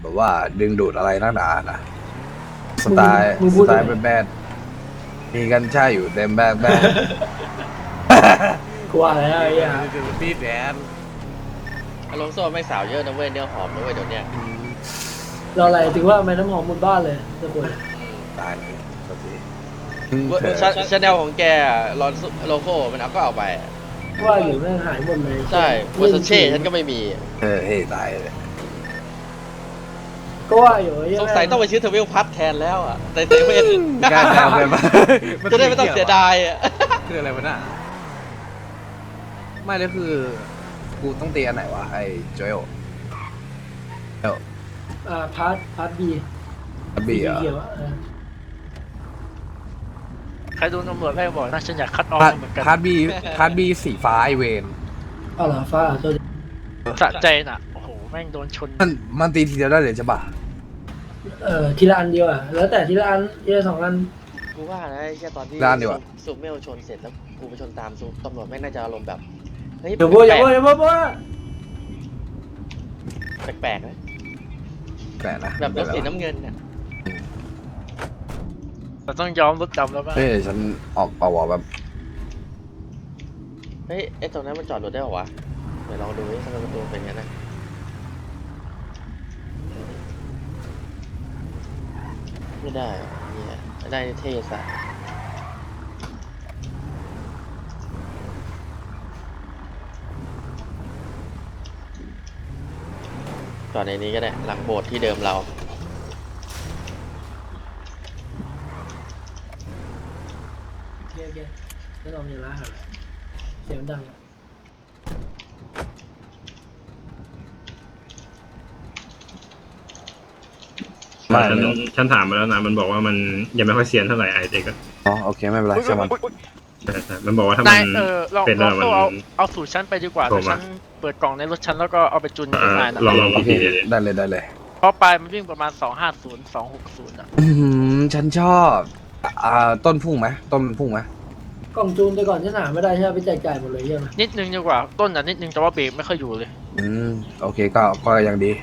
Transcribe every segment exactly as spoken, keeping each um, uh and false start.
แบบว่าดึงดูดอะไรนักหนานะสไตล์สไตล์แบดๆมีกันใช่อยู่เต็มแบดแบดกลัวแล้วไอ้เหี้ยตีแดนอารมณ์โซ่ไม่สาวเยอะนะเว้ยเนื้อหอมนะเว้ยเดี๋ยวเนี้ยเราอะไรถึงว่าไม่น้ำหอมหมดบ้านเลยจะป่วยตายเลยสักทีชาแนลของแกลอนโลโก้มันเอาก็เอาไปว่าอยู่แม่งหายหมดเลยใช่เวอร์ซเช่ฉันก็ไม่มีเออเฮ้ยตายเลยก็ว่าอยู่ไอ้เหี้ยสงสัยต้องไปซื้อเทวิลพัทแทนแล้วอ่ะแต่เซเว่นกล้าแซวกันปะจะได้ไม่ต้องเสียดายอ่ะคืออะไรวะน่ะไม่แล้วคือกูต้องตีอันไหนวะไอ้โจโยเอลอ่าพาร์ทพาร์ทบีบีอ่ะเขียวอะเออใครโดนตำรวจไล่บอกนะฉันอยากคัดออฟพาร์ทเหมือนกันพาร์ทบีพาร์ทบีสีฟ้าไอเวนเอาเหรอฟ้าตัวสะใจน่ะโอ้โหแม่งโดนชนมันมันตีทีเดียวได้เลยใช่ปะเออทีละอันเดียวอ่ะแล้วแต่ทีละอันทีละสองอันกูว่านะแค่ตอนที่ซูเมลชนเสร็จแล้วกูไปชนตามซูตำรวจแม่งน่าจะอารมณ์แบบเฮ้ยเดี๋ยวโบอย่าโบอย่าโบโบแปลกๆนะแปลกนะแบบรถสีน้ำเงินเนี่ยเราต้องยอมรถดำแล้วป่ะเฮ้ยฉันออกเป่าวะแบบเฮ้ยไอ้ตรงนั้นมันจอดรถได้หรอวะเดี๋ยวลองดูดิทำไมประตูเป็นงั้นนะไม่ได้เนี่ยได้เท่สัสจอดในนี้ก็ได้หลังโบสถ์ที่เดิมเราโอเคโอเคไม่ต้องมีร้านอะไรเสียงดังอะฉันฉันถามมาแล้วนะมันบอกว่ามันยังไม่ค่อยเซียนเท่าไหร่ไอเด็กก็อ๋อโอเคไม่เป็นไรใช่มันแต่แต่มันบอกว่าถ้ามันนายเออลองเป็นลแล้อวงมันตัวเอาเอาสูตรฉันไปดีกว่าโทรแต่มาฉันเปิดกล่องในรถฉันแล้วก็เอาไปจุนเอ่อนายนะลองลองโออีกเคทีได้เลยได้เลยเพราะปลายมันวิ่งประมาณสองห้าศูนย์ สองหกศูนย์อ่ะอืมฉันชอบอ่าต้นพุ่งไหมต้นพุ่งไหมกล่องจูนแต่ก่อนฉันหาไม่ได้ใช่ไหมไปแจกจ่ายหมดเลยใช่ไหมนิดนึงดีกว่าต้นอ่ะนิดนึงแต่ว่าเบรกไม่ค่อยอยู่เลยอืมโอเคก็ก็ยังดี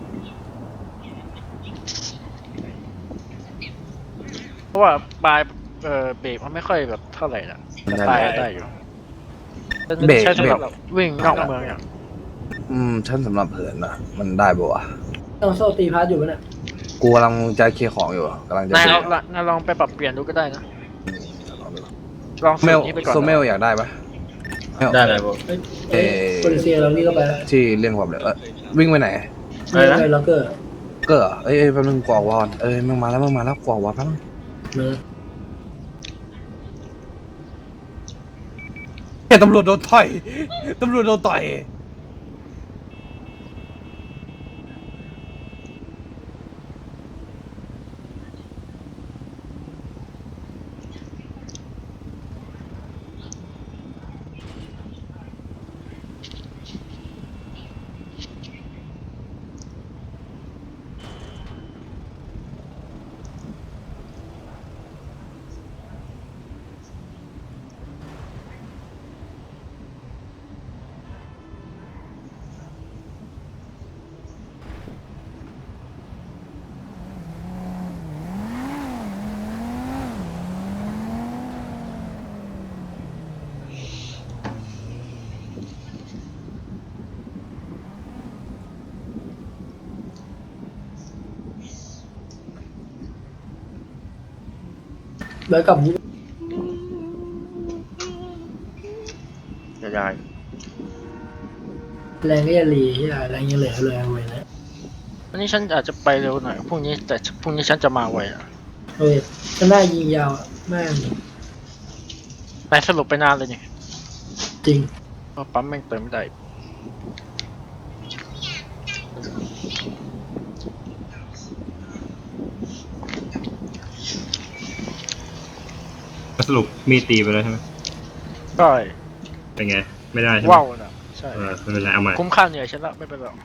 เพราะว่าปลายเออเบรกมันไม่ค่อยแบบเท่าไหร่นะแต่ปลายได้อยู่ฉันเบรกใช้สำหรับเบรกวิ่งนอกเมืองอย่างอืมฉันสำหรับเหินนะมันได้ปะวะต้องโซ่ตีพาร์ทอยู่ปะเนี่ยกูกำลังจะเคลียร์ของอยู่กำลังจะนายเคลีลยองร์นายลองไปปรับเปลี่ยนดูก็ได้นะ ลองเมสูลตรนี้ไปก่อนโซเมลอยากได้ปะเมลได้เลยผมเอ้ยเอ้ยโปรดิเซียเราวิ่งเข้าไปแล้วที่เรื่องความเร็วเออวิ่งไปไหนไม่ไปล็อกเกอร์เกอร์เอ้ยเอ้ยแป๊บนึงกวาดวอนเอ้ยมึงมาแล้วมึงมาแล้วกวาดวอนแป๊บนึงเนอะเฮ้ยตำรวจโดนต่อยตำรวจโดนต่อยแล้วกลับนี้ยายแรงก็จะรีใช่ไหมแรงยังเหลือเลยเอาไว้นะวันนี้ฉันอาจจะไปเร็วหน่อยพรุ่งนี้แต่พรุ่งนี้ฉันจะมาไวอ่ะโอ้ยฉันได้ยิงยาวอะแม่งนายสรุปไปนานเลยนี่จริงเพราะปั๊มแม่งเติมไม่ได้สรุปมีดตีไปแล้วใช่ไหมก็เป็นไงไม่ได้ใช่ไหมว้าวนะใช่เออไม่เป็นไรเอาใหม่คุ้มค่าเหนื่อยฉันละไม่เป็นไรหรอก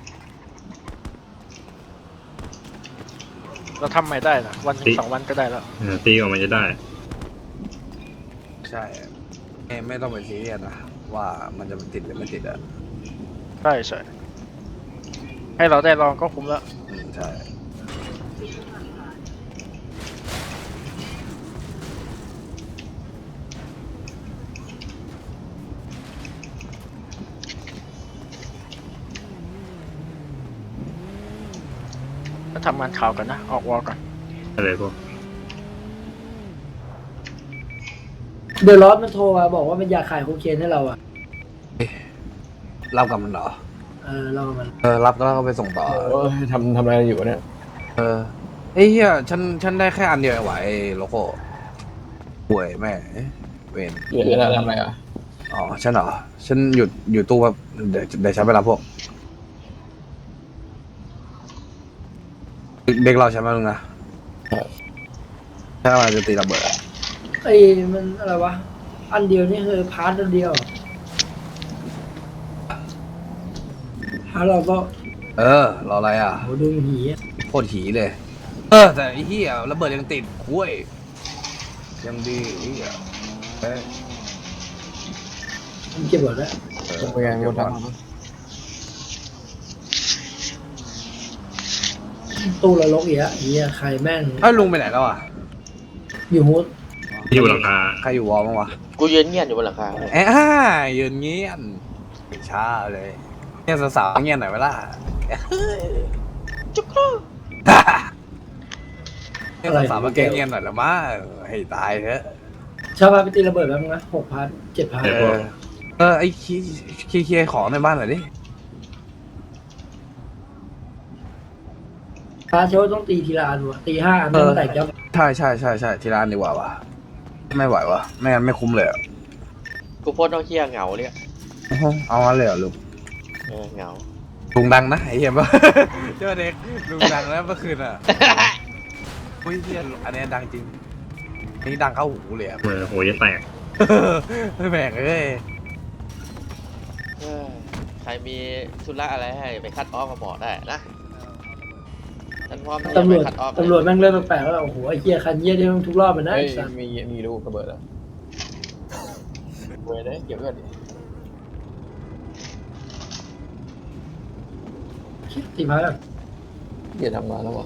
เราทำใหม่ได้นะวันถึงสองวันก็ได้แล้วเออตีออกมาจะได้ใช่เอ้ยไม่ต้องไปซีเรียสนะว่ามันจะติดหรือไม่ติดอ่ะใช่ใช่ให้เราได้ลองก็คุ้มแล้วอืมใช่ก็ทำงานข่าวกันนะ ออกวอลกันอะไรพวกเดอะลอสมันโทรมาบอกว่ามันอยากขายโคเคนให้เราอ่ะรับกับมันเหรอเออเรามันเออรับแล้วก็ไปส่งต่อโอ้ยทำทำอะไรอยู่เนี่ยเออไอ้เหี้ยฉันฉันได้แค่อันเดียวเองว่ะไอ้โลโก้ป่วยแม่เวนเหลืออะไรทำอะไรอ่ะอ๋อฉันเหรอฉันหยุดอยู่ตู้แบบเดี๋ยวเดี๋ยวฉันไปรับพวกเด็กเราใช่ไหมลุงนะถ้ามันจะตีระเบิดอะไอ้มันอะไรวะอันเดียวนี่คือพาร์ทอันเดียวพาร์ทเราก็เออรออะไรอ่ะโหดูหีอะโคตรหีเลย เออแต่ไอ้เหี้ยระเบิดยังติดคุ้ยยังดีไอ้เหี้ยเอ้ยมันเก็บหมดแล้วเออเป็นไงมีคนทตู้ละลกอีกอะเฮียใครแม่งเอ้ยลุงไปไหนแล้วอ่ะอยู่ฮูดที่อยู่หลังคาใครอยู่วอลบ้างวะกูยืนเงียบอยู่บนหลังคาเอ้ยยืนเงี้ยนช้าเลยเนี่ยสาวๆเงี้ยนหน่อยเวลาจุ๊กครูเนี่ยสาวๆมาแกล้งเงี้ยนหน่อยละมั้งให้ตายเถอะชาวบ้านไปตีระเบิดแล้วมั้งนะหกพาร์ทเจ็ดพาร์ทเออเออไอ้คีคีเคลียร์ของในบ้านหน่อยดิพาร์ทเชลต้องตีทีละอันวะตีห้าอันต้องแตกยับใช่ใช่ใช่ใช่ที่ร้านดีกว่าวะไม่ไหววะไม่งั้นไม่คุ้มเลยอะกูโพสต์น้องเฮียเหงาเลยอะเอางั้นเลยเหรอลุงเออเหงาลุงดังนะไอ้เหี้ยปะ เจ้าเด็กลุงดังแล้วเมื่อคืนอ่ะอุ้ยเหี้ยอันนี้ดังจริงอันนี้ดังเข้าหูเลยอะเออโหจะแตกแม่งเอ้ยเออใครมีธุระอะไรให้ไปคัดออฟมาบอกได้นะฉันพร้อมที่จะตำรไปวจคัดออฟตำรวจแม่งเริ่มแปลกๆแล้วโอ้โหไอ้เฮียคันเยี่ยได้ทุกรอบเลยำนะเฮ้ยไอ้สัสมีมีลูกระเบิดอ่ะเว้ยได้เก็บเงินดิตีพาร์ทอะเกียดทำงานแล้ววะ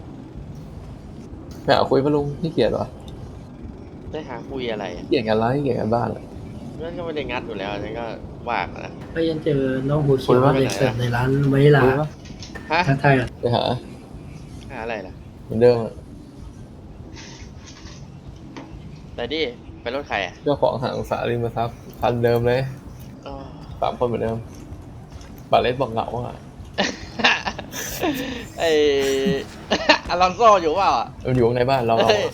ไม่เอาคุยปะลุงที่เกียดวะได้หาคุยอะไรอะเกียดกันไรเกียดกันบ้านอะนั่นก็ไม่ได้งัดอยู่แล้วฉันก็ว่างนะไปยันเจอน้องหัวเขียวคุยว่าเด็กเสิร์ฟในร้านไวลาคุยปะฮะทักทายกันไปหาหาอะไรล่ะเหมือนเดิมอะแต่ดิไปรถใครอ่ะเจ้าของหางสาริมทรัพย์คันเดิมเลยอ๋อสามคนเหมือนเดิมบาเลสบอกเหงาอ่ะไอ อลอนโซอยู่เปล่าอ่ะมันอยู่ข้างในบ้านเราเราเฮ้ย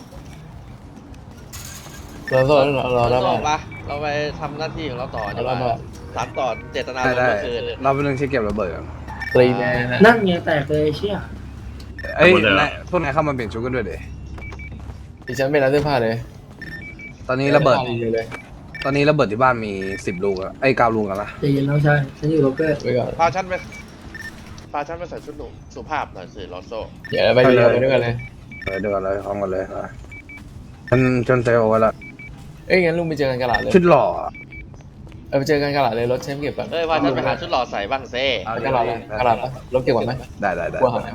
เราเราเราอเราลอนเราโซเราปะเราไปทำหน้าที่ของเราต่อดีกเราว่าเราสามต่อเจตนาได้ลมได้เมื่อคืนเราเป็นเรื่องที่เก็บระเบิดกันตรีแมนนะนั่นไงแตกเลยเชี่ยเอ้ยนายพวกนายเข้ามาเปลี่ยนชุดกันด้วยเดดิฉันไม่ร้านเสื้อผ้าเลยตอนนี้ระเบิดสื้อผ้าเลยตอนนี้ระเบิดที่บ้านมีสิบลูกอะไอ้เก้าลูกแล้วนะใจเย็นน้องชายฉันอยู่โรเกอร์ไว้ก่อนพาฉันไปพาฉันไปใส่ชุดหนุ่มสุภาพหน่อยสิลอนโซเดี๋ยวไปเรือไปด้วยกันเลยเออเดี๋ยวกันเลยพร้อมกันเลยนะฉันจนเซลไว้ละเอ้ยงั้นลุงไปเจอกันกระดาษเลยชุดหล่ออะเออไปเจอกันกระดาษเลยรถเชมเก็บก่อนเอ้ยพาฉันไปหาชุดหล่อใส่บ้างเซ่เอากระดาษเลยกระดาษปะรถเก็บก่อนไหมได้ได้ได้กลัวหาย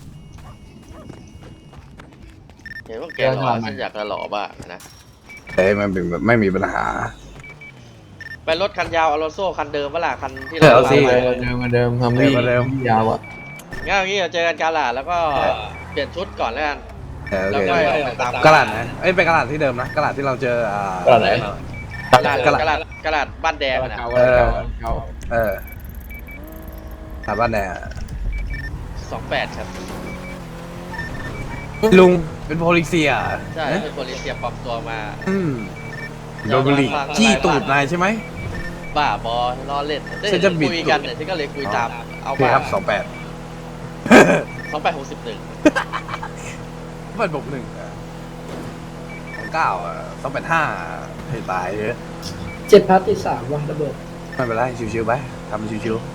เห็นว่าแกหล่อฉันอยากจะหล่อบ้างนะเอ้ยมันเป็นแบบไม่มีปัญหาไปรถคันยาวอลอนโซคันเดิมเวลาคันที่เออเราเอาสิไปเดิมมาเดิมทำวิ่งเดิมมาเดิมยาวอ่ะงั้นเอางี้เราเจอกันกาลาดแล้วก็เปลี่ยนชุดก่อนแล้วกันเออโอแล้วเคก็ไปตามกระดาษนะเอ้ยเป็นกระดาษที่เดิมนะกระดาษที่เราเจออ่ากระดาษไหนกาลาดกระดาษกาลาดกาลาดบ้านแดงอะนะเก่าเออเก่าเออถามบ้านแน่สองแปดครับลุงเป็นโพลิเซียใช่เอ๊ะเป็นโปลิเซียปลอมตัวมาอืมโดนบุหรี่จี้ตูดนายใช่ไหมบ้าบอล้อเล่นได้ฉันจะบิดคุยกันเนี่ยฉันก็เลยคุยตามเอาโอเคมาครับสองแปดสองแปดหกสิบหนึ่งเปิดบวกหนึ่งสองเก้าสองแปดห้าให้ตายเยอะเจ็ดพาร์ทติดสามว่ะระเบิดไม่เป็นไรชิวๆไปทำชิว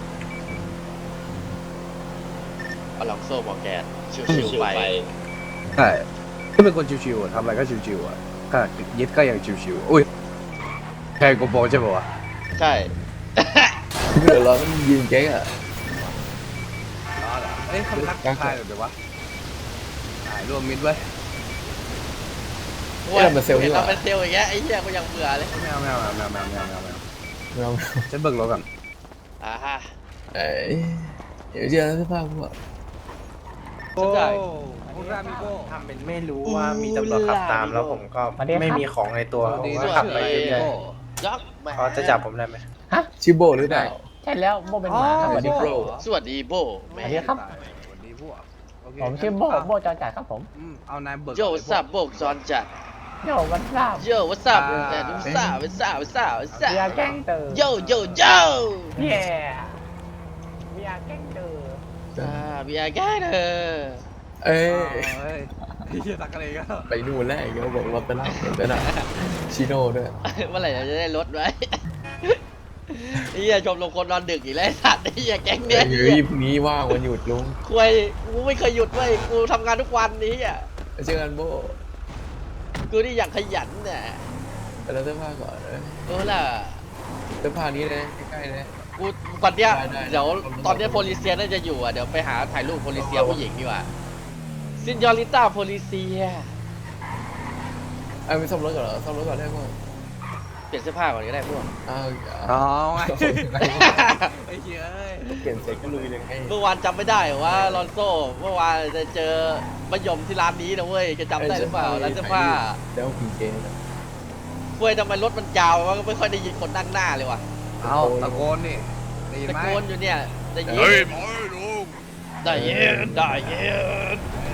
อลองโซ่บอกแกชิวๆไปๆใช่ก็เป็นคนชิวๆอะทำอะไรก็ชิวๆอ่ะก็ยึดก็ยังชิวๆอุ้ยแทนโกโปใช่ป่าวะใช่เดี๋ยวเราต้องยืนเก๊กอ่ะอ๋อเหรอเอ้ยเขาทักทายหรือเปล่าวะถ่ายรวมมิดไว้โอ้ยเห็นเราเป็นเซลล์อย่างเงี้ยไอ้เหี้ยกูยังเบื่อเลยไม่เอาไม่เอาไม่เอาไม่เอาไม่เอาไม่เอาไม่เอาไม่เอาฉันเบิกรถก่อนอ่าฮะเอ้ยเดี๋ยวเจอสภาพพวกโอ้คุณรามิโก้ทำเป็นไม่รู้ว่ามีตำรวจขับตามแล้วผมก็ไม่มีของในตัวผมก็ขับไปเรื่อยยักษ์ๆเขาจะจับผมได้ไหมชิโบหรือเปล่าใช่แล้วโบเป็นหมาครับสวัสดีครับสวัสดีโบแม่สวัสดีครับสวัสดีพวกโอเคผมชื่อโบโบจอจ่ายครับผมอืมเอานายเบิกโยสับโบกจอนจัดโยวันทราบโยวัสับแต่ดูสาววัสาววัสาววัสาเบียร์แกล้งเตอร์โยโยโยเย่เบียร์แกล้งเตอร์อ่าบีอาร์แกเธอเอ้เอ้ยยไอ้เหี้ยตักอะไรกันไปนู่นแล้วไอ้เงี้ยบอกรถไปแล้วรถไปแล้วชิโน่ด้วยเมื่อไหร่เราจะได้ลดไว้ไอ้เหี้ยชมลงคนนอนดึกอีกแล้วไอ้สัตว์ไอ้เหี้ยแก๊งเนี้ยเฮ้ยพรุ่งนี้ว่างวันหยุดลุงคุยกูไม่เคยหยุดเว้ยกูทำงานทุกวันนี้อ่ะไปเจอกันโบกูนี่อยากขยันเนี่ยไปแล้วเสื้อผ้าก่อนนะโอ้ล่ะเสื้อผ้านี้นะใกล้ๆนะกูตอนเนี้ยได้ได้เดี๋ยวตอนเนี้ยโพลิเซียน่าจะอยู่อ่ะเดี๋ยวไปหาถ่ายรูปโพลิเซียผู้หญิงดีกว่าซินยอริต้าโพลิเซียเอ้ยไปซ่อมรถก่อนเหรอซ่อมรถก่อนได้ป่ะเปลี่ยนเสื้อผ้าก่อนก็ได้พวกอ้าวอ๋อไงไอ้เหี้ยเอ้ยเปลี่ยนเสร็จก็ลุยเลยไงเมื่อวานจำไม่ได้เหรอว่าลอนโซ่เมื่อวานจะเจอมะยมที่ร้านนี้นะเว้ยจะจำได้หรือเปล่าร้านเสื้อผ้าแล้วพิงเกนเว้ยทำไมรถมันยาววะก็ไม่ค่อยได้ยินคนนั่งหน้าเลยว่ะเอาตะโกนนี่ได้ยินตะไหมโกนอยู่เนี่ยได้ยินเฮ้ยหมอลุงได้ยินได้ยิน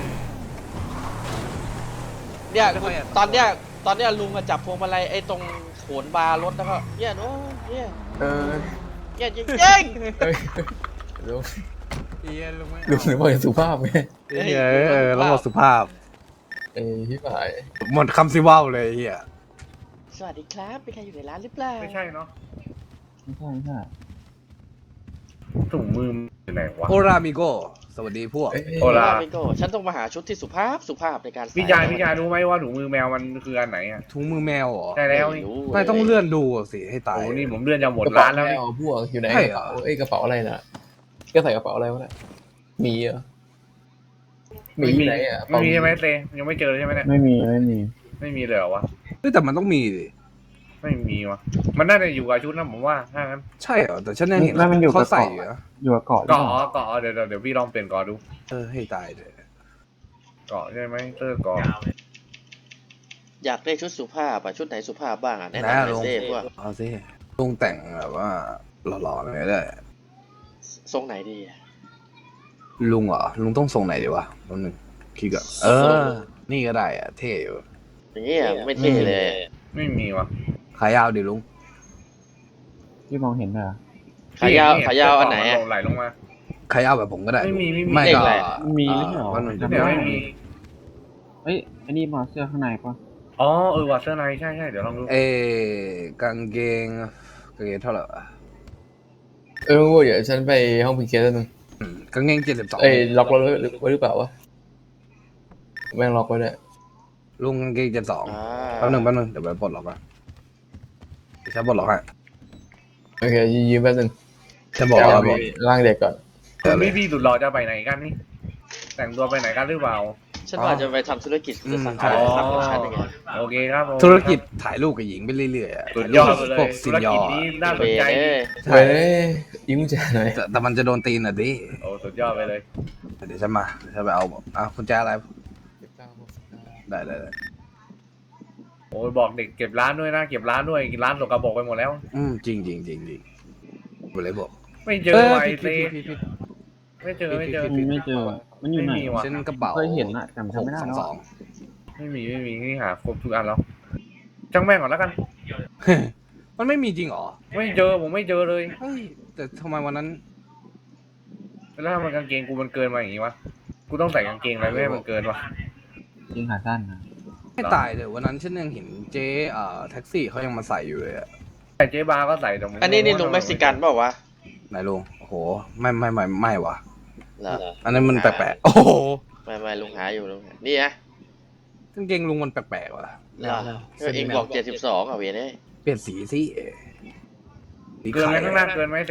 เนี่ยกูตอนเนี้ยตอนเนี้ยลุงอะจับพวงมาลัยไอ้ตรงโขนบาร์รถแล้วก็เนี่ยโน้เนี่ยเออเนี่ยจริงเอ้ยลุงเหี้ยลุงไม่ลุงหรือว่าสุภาพไงๆเหี้ยเออระบบสุภาพเอ้ยพี่ฝ่ายหมดคำซิว่าวเลยไอ้เหี้ยสวัสดีครับเป็นใครอยู่ในร้านหรือเปล่าไม่ใช่เนาะไม่ใช่ไม่ใช่ถุงมืออยู่ไหนวะโอรามิโกสวัสดีพวกเอ้ยโอลาพี่โก้ฉันต้องมาหาชุดที่สุภาพสุภาพในการใส่พี่ชายพี่ชายรู้ไหมว่าถุงมือแมวมันคืออันไหนอ่ะถุงมือแมวเหรอใช่แล้วนี่รู้ไม่ต้องเลื่อนดูสิให้ตายโอ้นี่ผมเลื่อนจะหมดกระเป๋าร้านแล้วแมนี่วพวกอยู่ไหนใช่กเหรระอเป๋าเอ้ยกระเป๋าอะไรน่ะก็ใส่กระเป๋าอะไรวะน่ะหมีเหรอหมีอยู่ไหนอ่ะไม่มีใช่ไหมเซยังไม่เจอใช่ไหมเนี่ยไม่มีไม่มีไม่มีเลยเหรอวะเฮ้ยแต่มันต้องมีดิไม่มีวะมันน่าจะอยู่กับชุดนะผมว่าถ้างั้นใช่เหรอแต่ฉันยังเห็นแล้วมันอยู่กับเขาใส่อยู่นะอยู่กับเกาะเกาะเกาะเดี๋ยวเดี๋ยวเดี๋ยวพี่ลองเปลี่ยนเกาะดูเออให้ตายเลยเกาะใช่ไหมเตอร์เกาะอยากได้ชุดสุภาพอะชุดไหนสุภาพบ้างอะแนะนะนำหน่ลุอยงเซ่พวกเอาสิลุงแต่งแบบว่าหล่อๆหน่อยได้ทรงไหนดีอะลุงเหรอลุงต้องทรงไหนดีวะแป๊บนึงคิดก่อนเออ นี่ก็ได้อะเท่อยู่อย่างเงี้ยไม่เท่เลยไม่มีวะขายาวดิลุงที่มองเห็นเหรอขายาวนี่ขายาวอันไหนเสื้อะเกาะมัลงไหลลงมาขายาวแบบผมก็ได้ไม่มีไม่มีไม่เลขก็อะไรมีไม่ใช่หรอวันหนึ่งเดี๋ยวไม่มีเอ้ยอันนี้มาเสื้อข้างในปะอ๋อเออว่ะเสื้อในใช่ใช่เดี๋ยวลองดูเออกางเกงกางเกงเท่าไหร่วะเออเดี๋ยวฉันไปห้องพิงเกนแล้วนึงอืมกางเกงเจ็ดสิบสองเอ้ยล็อกรถไว้ไว้หรือเปล่าวะแม่งล็อกไว้ด้วยลุงกางเกงเจ็ดสองอ่าแป๊บหนึงแป๊บหนึงเดี๋ยวไปปลดล็อกก่อนเดี๋ยวฉันปลดล็อกให้โอเคยืมแป๊บนึงฉันบอกว่าไปร่างเด็กก่อนเดี๋ยวเลพี่ยพี่สุดหล่อจะไปไหนกันนี่ แต่งตัวไปไหนกันหรือเปล่าฉันว่าจะไปทำธุรกิจจะสั่งอ๋ขายอทำของฉันยังไงโอเคครับโอเคธุรกิจถ่ายรูปกับหญิงไปเรื่อยๆอะสุดยอดไปเลยพวกซิธุนรยอกิจร์นี้อะน่าสเวนใจเอ้ยใช่เว้ยยิ้มแจ่หน่อยแต่แต่มันจะโดนตีนอ่ะดิโอ้สุดยอดไปเลยเดี๋ยวฉันมาเดี๋ยวฉันไปเอาอ่ะคุณแจอะไรได้ได้ได้โอ้ยบอกเด็กเก็บร้านด้วยนะเก็บร้านด้วยร้านสกปรกไปหมดแล้วอืมจริงจริงจริงจริงไปเลยบอกไม่เจอไวผิดเซผิดผิดผิดไม่เจอไม่เจอผิดผิดไม่เจอมันอยู่ไหนไม่มีว่ะเส้นกระเป๋าเคยเห็นอะแต่จำไม่ได้หกแล้วสองไม่มีไม่มีนี่หาครบทุกอันแล้วจังแม่งก่อนแล้วกันสอง มันไม่มีจริงเหรอไม่เจอผมไม่เจอเลยเฮ้ยแต่ทำไมวันนั้นแล้วทำไมกางเกงกูมันเกินมาอย่างงี้วะกูต้องใส่กางเกงอะไรไม่ให้มันเกินวะยิงขาสั้นนะไม่ตายเลยวันนั้นฉันยังเห็นเจ๊เอ่อแท็กซี่เขายังมาใส่อยู่เลยอะแต่เจ๊บาร์ก็ใส่แต่ผมอันนี้นี่ลุงเม็กซิกันเปล่าวะไหนลุงโอ้โหไม่ไม่ไม่ไม่ว่ะเหรออันนั้นมันแปลกๆโอ้โหไม่ไม่ลุงหาอยู่ลุงหานี่นะกางเกงลุงมันแปลกๆว่ะเหรอเออเองบอกเจ็ดสิบสองอ่ะเวยเนี่ยเปลี่ยนสีสิสีเกินขาไหมยข้างหน้าเกินไหมเซ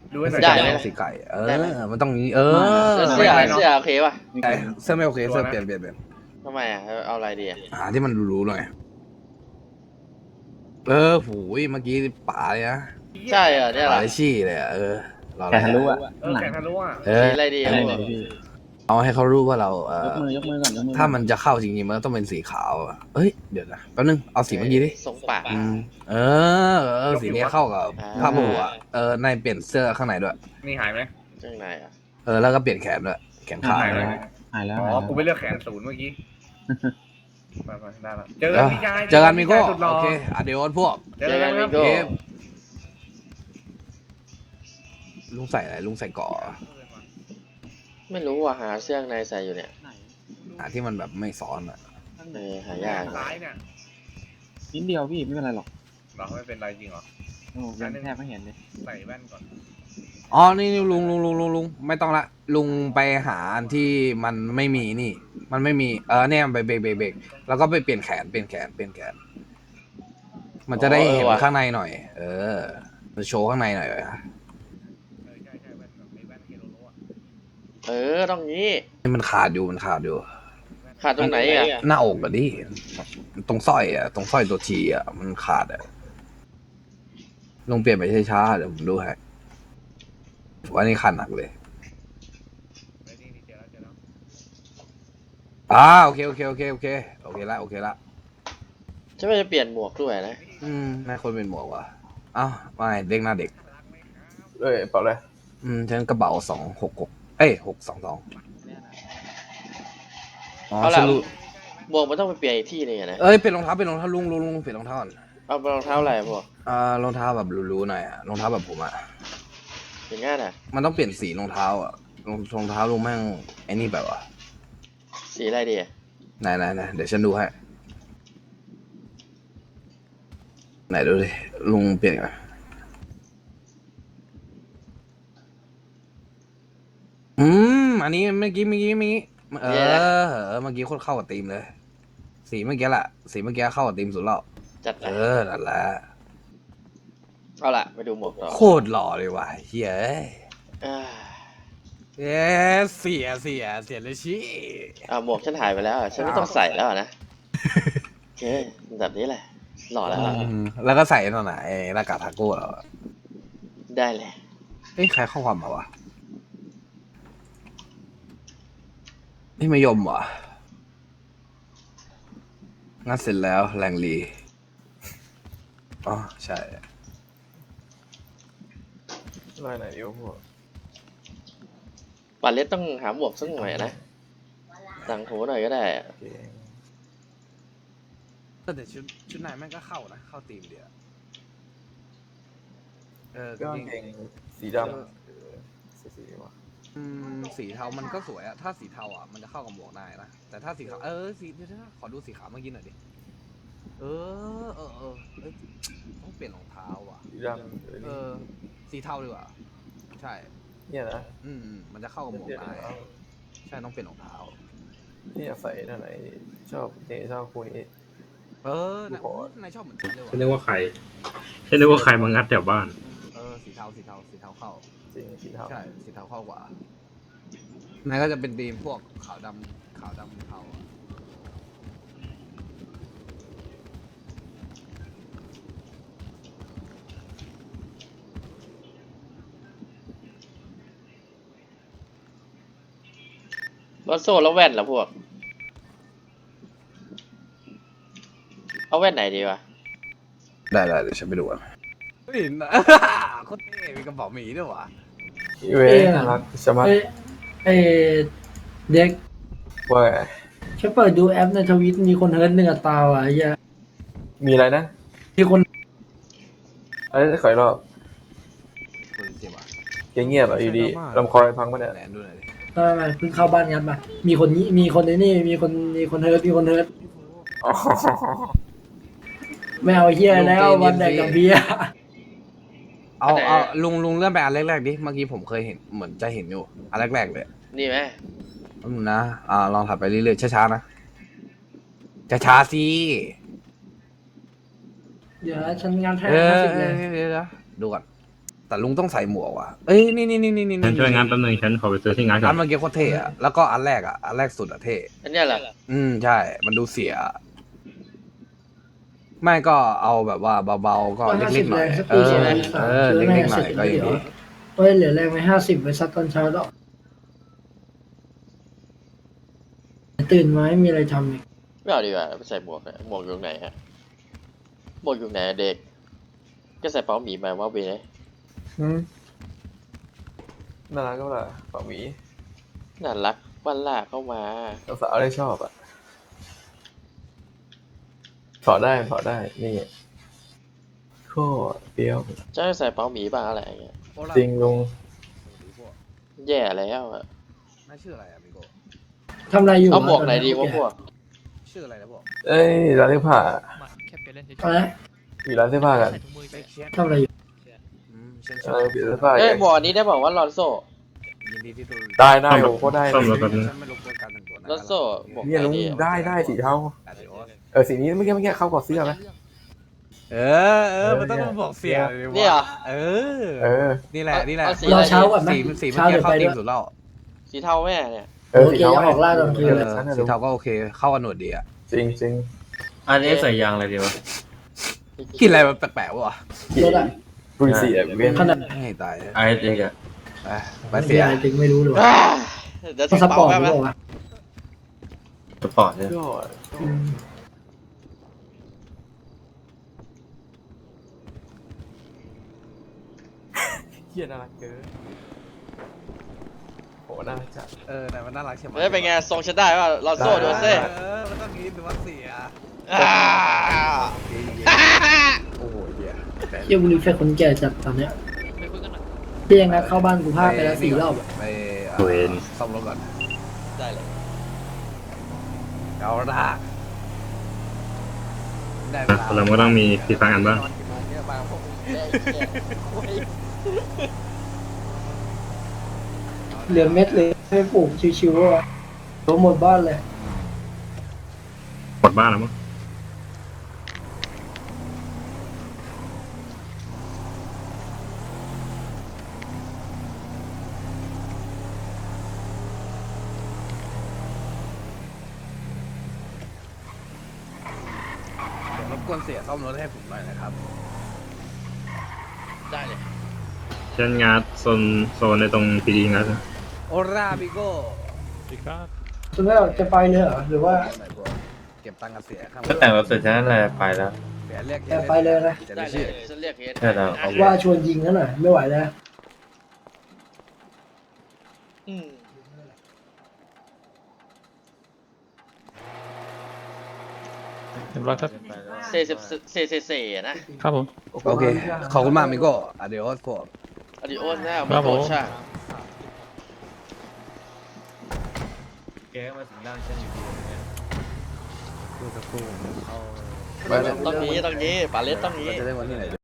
ดูให้หน่อยได้สีเลยแดงสีไก่เอได้ไหมอมันต้องนี้เออแล้วเสื้อเสื้อโอเคป่ะไอ้เสื้อไม่โอเคเสื้อเปลี่ยนเปลี่ยนเปลี่ยนทำไมอ่ะเอาอะไรดีอ่ะหาที่มันรู้ๆหน่อยเออหูยเมื่อกี้ป่าเลยนะใช่เหรอเนี่ยเหรป่าอได้ชี่เลยอะเออรอแขนทะลุอ่ะเออแข่งทะลุอ่ะเอสีออะไรดีอะไรอ่ะไหนพี่เอาให้เขารู้ว่าเราเออยกมือยกมือก่อนยกมือถ้ามันจะเข้าจริงๆมันต้องเป็นสีขาวอะเอ้ยเดี๋ยวนะแป๊บนึงเอาสีเมื่อกี้ดิทรงปากอืมเออเออสีนี้เข้ากับอ่าผ้าผูกอ่ะเออในเปลี่ยนเสื้อข้างในด้วยนี่หายไหมข้างในอ่ะเออแล้วก็เปลี่ยนแขนด้วยแขนขาหายไหมหายแล้วอ๋หายอแล้วกูไปเลือกแขนศูนย์เมื่อกี้ไปไปได้ละเจอเอกันอพี่ชายเจอกันมิโก้สุดหล่โอเคอะเดี๋ยวพวกเจอกันครับเจอกันมิโก้เกมลุงใส่อะไรลุงใส่เกาะไม่รู้ว่าหาเสื้อข้างในใส่อยู่เนี่ยหาที่มันแบบไม่ซ้อนอ่ะเออหายากซ้ายเนี่ยนิดเดียวพี่ไม่เป็นไรหรอกเราไม่เป็นไรจริงเหรอโอ้ยังแทบไม่เห็นเลยใส่แว่นก่อนอ๋อนี่นี่ลุงลุงลุงลุงลุงไม่ต้องละลุงไปหาอันที่มันไม่มีนี่ มันไม่มีเออเนี่ยไปเบรกเบรกเบรกแล้วก็ไปเปลี่ยนแขนเปลี่ยนแขนเปลี่ยนแขน มันจะได้เห็นข้างในหน่อย เออมันโชว์ข้างในหน่อยอะเออใช่ใช่แว่นแบบไอ้แว่นเคโลโลอ่ะเออต้องงี้นี่มันขาดอยู่มันขาดอยู่ขาดตรงไหนอ่ะหน้าอกอะดิตรงสร้อยอะตรงสร้อยตัวทีอะมันขาดอะลงเปลี่ยนไปช้าๆเดี๋ยวผมดูให้ว่านี่ขาดหนักเลยเฮ้ยนี่นี่เจอแล้วเจอแล้วอ่าโอเคโอเคโอเคโอเคโอเคละโอเคละจะไม่จะเปลี่ยนหมวกด้วยนะอืมนายคนเป็นหมวกว่ะอ้าวไม่เด็กหน้าเด็กเอ้ยเปล่าเลยอืมฉันกระเป๋าสองหกหกเอ้ยหกสองสองอ๋อเอาฉัละนรู้หมวกมันต้องไปเปลี่ยนอีกที่หนึงอะนะเอ้ยเป็นรองเท้าเป็นรองเท้าลุงลุงลุงเปลี่ยนรองเท้าก่อนเอารองเท้าอะไรพวกอ่ารองเท้าแบบหรูๆหน่อยอะรองเท้าแบบผมอะอย่างงั้นอ่ะมันต้องเปลี่ยนสีรองเท้าอะรองรองเท้าลุงแม่งไอ้นี่แบบว่าสีอะไรดีอะไหนไหนไหนเดี๋ยวฉันดูให้ไหนดูดิลุงเปลี่ยนไงอืมอันนี้เมื่อกี้เมื่อกี้เมื่อกี้เออเออเมื่อกี้โคตรเข้ากับธีมเลย สีเมื่อกี้แหละสีเมื่อกี้เข้ากับธีมสุดแล้วจัดเอนะอนั่นแหละเอาละไปดูหมวกต่อโคตรหล่อเลยว่ะเฮ้ยอ่าเอ๊ะเสียเสียเสียเลยชี้เอาหมวกฉันหายไปแล้วอะฉันไม่ต้องใส่แล้วอะนะโอเคแบบนี้แหละหล่อแล้วอะอืมแล้วก็ใส่นั่นน่ะไอ้หน้ากากทาโก้เราอะได้เลยเอ้ยใครข้อความมาวะนี่มายมเหรองั้นเสร็จแล้วแรงลีอ๋อใช่ลายไหนดีวะพวกปัดเล็ดต้องหาหมวกสักหน่อยนะต่างหูหน่อยก็ได้อะแต่ชุดชุดนายแม่งก็เข้านะเข้าธีมเดียวเออก็จริงเกงสีดำสีสีวะอืมสีเทามันก็สวยอะถ้าสีเทาอะมันจะเข้ากับหมวกได้นะแต่ถ้าสีขาวเออสีเดี๋ยวนะขอดูสีขาวเมื่อกี้หน่อยดิเออเออเออเอ้ยต้องเปลี่ยนรองเท้าว่ะสีดำเออสีเทาดีกว่าใช่เนี่ยนะอืมอืมมันจะเข้ากับหมวกได้ใช่ต้องเปลี่ยนรองเท้าที่อยากใส่นั่นไหนชอบเนี่ยชอบคุยเออนะนายชอบเหมือนฉันเลยฉันนึว่ะกว่าใครฉันนึกว่าใครมางัดแถวบ้านเออสีเทาสีเทาสีเทาเข้าจริงสีเทาใช่สีเทาเข้ากว่านายก็จะเป็นธีมพวกขาวดำขาวดำเทาอะรถโซ่แล้วแว่นเหรอพวก เอาแว่นไหนดีวะได้ได้เดี๋ยวฉันไปดูอ่ะเฮ้ยนะ โคตรเท่มีกระเป๋าหมีด้วยว่ะเว้ยน่ารักสมัติเอ้ยเอ้ยเด็กว่าฉันเปิดดูแอปในทวิตมีคนเฮิร์ตหนึ่งอัตราว่ะไอ้เหี้ยมีอะไรนะมีคนเอ้ยขออีกรอบคนเจ็บอ่ะเงียบเงียบอ่ะอยู่ดีลำคอพังปะเนี่ยแหนดูหน่อยดิไม่ไม่เพิ่งเข้าบ้านงัดมามีคนนี้มีคนในนี่มีคนมีคนเฮิร์ตมีคนเฮิร์ตอ๋อไม่เอาเฮียแล้ววันแดกกับเบียร์เอาเอาลุงลุงเลื่อนไปอันแรกๆดิเมื่อกี้ผมเคยเห็นเหมือนจะเห็นอยู่อันแรกๆเลยนี่ไหมแป๊บนึงนะอ่าลองถัดไปเรื่อยๆช้าๆนะช้าๆสิเดี๋ยวฉันงานแท้เออห้าสิบเอเลอย เดี๋ยวๆดูก่อนแต่ลุงต้องใส่หมวกว่ะเอ้ยนี่นี่นี่นี่นี่ฉันช่วยงานแป๊บนึงฉันขอไปซื้อที่งานก่อร้านนเมื่อกี้โคตรเท่อะแล้วก็อันแรกอะอันแรกสุดอะเท่อันเนี้ยเหรออืมใช่ มันดูเสีย ไม่ก็เอาแบบว่าเบาๆก็เล็กๆหน่อยเออเออเล็กๆหน่อยก็ยังดีเฮ้ยเหลือแรงไปห้าสิบไปซัดตอนเช้าแล้วตื่นมาไม่มีอะไรทำอีกไม่เอาดีกว่าไปใส่หมวกเนี่ยหมวกอยู่ไหนฮะหมวกอยู่ไหนเด็กก็ใส่เป๋าหมีมาว่าเว้ยอืมน่ารักก็ล่ะเป่าหมีน่ารักวันลากเข้ามาสาวๆได้ชอบอ่ะถอดได้ถอดได้นี่โคตรเปรี้ยวจะใส่เป๋าหมีบ้างอะไรอย่างเงี้ยจริงลุงแย่แล้วอะน่าชื่ออะไรอะมิโกทำอะไรอยู่เอาหมวกไหนดีวะพวกชื่ออะไรนะพวกเอ้ยร้านเสื้อผ้าอะไรมีร้านเสื้อผ้ากันทำอะไรอยู่อืมฉันชเออบอมีเสื้อผ้าเอ้ยหมวกอันนี้ได้บอกว่าลอนโซ่ยินดีที่ดูได้ได้โอ้โคตรได้ซ่อมเลรถยแป๊บนึงฉันไม่รบกวนการแต่งตัวนะลอนโซ่หมวกเนี่ยลุงไหนดีได้ได้สีเทาอ่ะเดี๋ยวเออสีนี้เมื่อกี้เมื่อกี้เข้ากับเสื้อไหมเออเออมันต้องมาบอกเสียเลยนี่เหรอเออเออนี่แหละนี่แหละเอาสีรอเช้าก่อนไหมสีสีเมื่อเช้ากี้เดี๋ยวเข้าไปตีด้มวยสุดแล้วสีเทาแม่เนี่ยเออสีเทาโอเคออกล่าตอนคืนเอเลยอสีเทาก็โอเค เข้ากันหนวดดีอะจริงจริงอันนี้ใส่ยางอะไรดีวะกินอะไรมันแปลกๆวะรถอะปุยสีอ่ะเวียนขนาดให้ตายไอ้เด็กอะไปไปเสียจริงไม่รู้เลยอ่าเดี๋ยวพาถึงสปอเป๋าร์ตแป๊บหรือนะเปล่าวะสปอร์ตเนี่ยยอดอืมเฮียน่ารักเกินโหน่ารักจัดเออแต่มันน่ารักใช่ไหมเฮ้ยเป็นไงทรงฉันได้ป่ะลอนโซ่โดนเซ่เออมันต้องงี้ดูว่าเสียอ่าโอ้โหเหี้ยเยี่ยมรีเฟกคนแก่จัดตอนเนี้ยเพียงนะเข้าบ้านกูพลาดไปแล้วสี่รอบอะไปเวนซ่อมรถก่อนได้เลยเอาละได้เวอ่ะลาเราก็ต้องมีฟีฟังกันบ้างนอนกี่โมงเนี่ยมาพวกมึงได้แค่โอ้ยเหลือเม็ดเลยให้ปลูกชิวๆว่ะตัวหมดบ้านเลยหมดบ้านแล้วมั้งเดี๋ยวรบกวนเสียซ่อมรถให้ผมหน่อยนะครับได้เลยฉันงัดโซนโซนในตรงพีดีงัดนะโอราบิโก้คุณแม่จะไปเลยเหรอหรือว่าเก็บตังค์กับเสียครับก็แต่งรถเสร็จฉันนั่นแหละไปแล้วเสียเรียกแต่ไปเลยนะจะได้ได้เลชื่อยฉันเรียกเฮดใช่แล้วเอาว่าชวนยิงนั่นหน่อยไม่ไหวแล้วอืมเรียบร้อยครับเซเซเซเซเซอะนะครับผมโอเค ขอบคุณมากมิโก้อะเดี๋ยวกดอดิโอสนะครัมาบโกผมช่างแกมาถึงด้านฉันอยู่ดีเนี่ยดูสักครู่เขาต้องนี้ต้องนี้ปาเลสต้องนี้จะได้วันที่ไหน